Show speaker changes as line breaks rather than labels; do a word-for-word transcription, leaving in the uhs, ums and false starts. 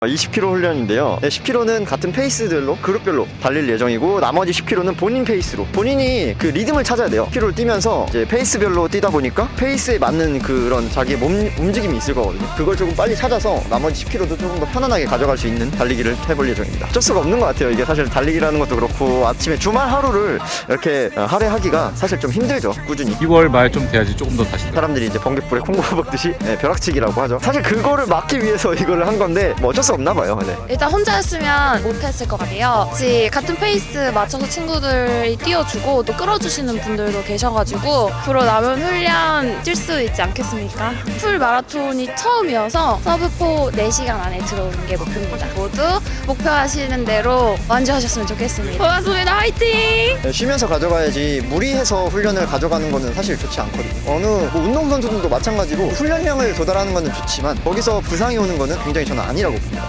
이십 킬로미터 훈련인데요. 네, 십 킬로미터는 같은 페이스들로 그룹별로 달릴 예정이고, 나머지 십 킬로미터는 본인 페이스로, 본인이 그 리듬을 찾아야 돼요. 십 킬로미터를 뛰면서 이제 페이스별로 뛰다 보니까 페이스에 맞는 그런 자기의 몸 움직임이 있을 거거든요. 그걸 조금 빨리 찾아서 나머지 십 킬로미터도 조금 더 편안하게 가져갈 수 있는 달리기를 해볼 예정입니다. 어쩔 수가 없는 것 같아요. 이게 사실 달리기라는 것도 그렇고, 아침에 주말 하루를 이렇게 할애하기가 사실 좀 힘들죠. 꾸준히
이월 말 좀 돼야지 조금 더 다시.
사람들이 이제 번개불에 콩고 먹듯이 네, 벼락치기라고 하죠. 사실 그거를 막기 위해서 이거를 한 건데 뭐 어쩔 수 없나 봐요. 네.
일단 혼자였으면 못했을 것 같아요. 같이 같은 페이스 맞춰서 친구들이 띄워주고 또 끌어주시는 분들도 계셔가지고 앞으로 남은 훈련 뛸 수 있지 않겠습니까? 풀 마라톤이 처음이어서 서브포 네 시간 안에 들어오는 게 목표입니다. 모두 목표하시는 대로 완주하셨으면 좋겠습니다. 고맙습니다. 화이팅!
네, 쉬면서 가져가야지 무리해서 훈련을 가져가는 거는 사실 좋지 않거든요. 어느 뭐 운동선수들도 마찬가지로 훈련량을 도달하는 거는 좋지만 거기서 부상이 오는 거는 굉장히 저는 아니라고 봅니다.